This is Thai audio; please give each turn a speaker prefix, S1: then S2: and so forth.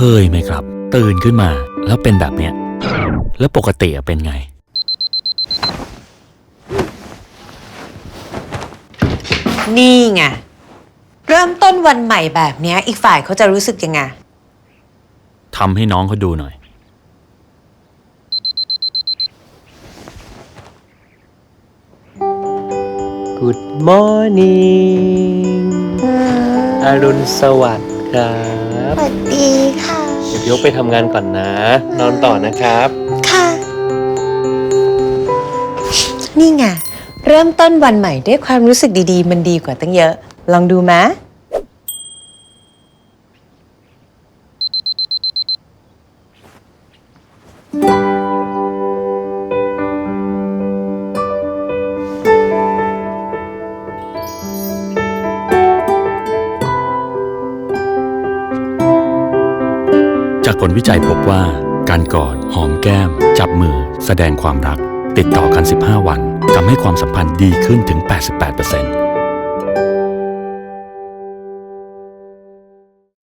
S1: ยไหมครับตื่นขึ้นมาแล้วเป็นแบบเนี้ยแล้วปกติเป็นไง
S2: นี่ไงเริ่มต้นวันใหม่แบบเนี้ยอีกฝ่ายเขาจะรู้สึกยังไง
S1: ทำให้น้องเขาดูหน่อย
S3: Good morning อรุณสวัสดิ์ครับ
S4: สวัสดีค่ะ
S3: เดี๋ยวยกไปทำงานก่อนนะ นอนต่อนะครับ
S4: ค่ะ
S2: นี่ไงเริ่มต้นวันใหม่ด้วยความรู้สึกดีๆมันดีกว่าตั้งเยอะลองดูมะ
S1: จากผลวิจัยพบว่าการกอดหอมแก้มจับมือแสดงความรักติดต่อกัน15 วันทำให้ความสัมพันธ์ดีขึ้นถึง 88%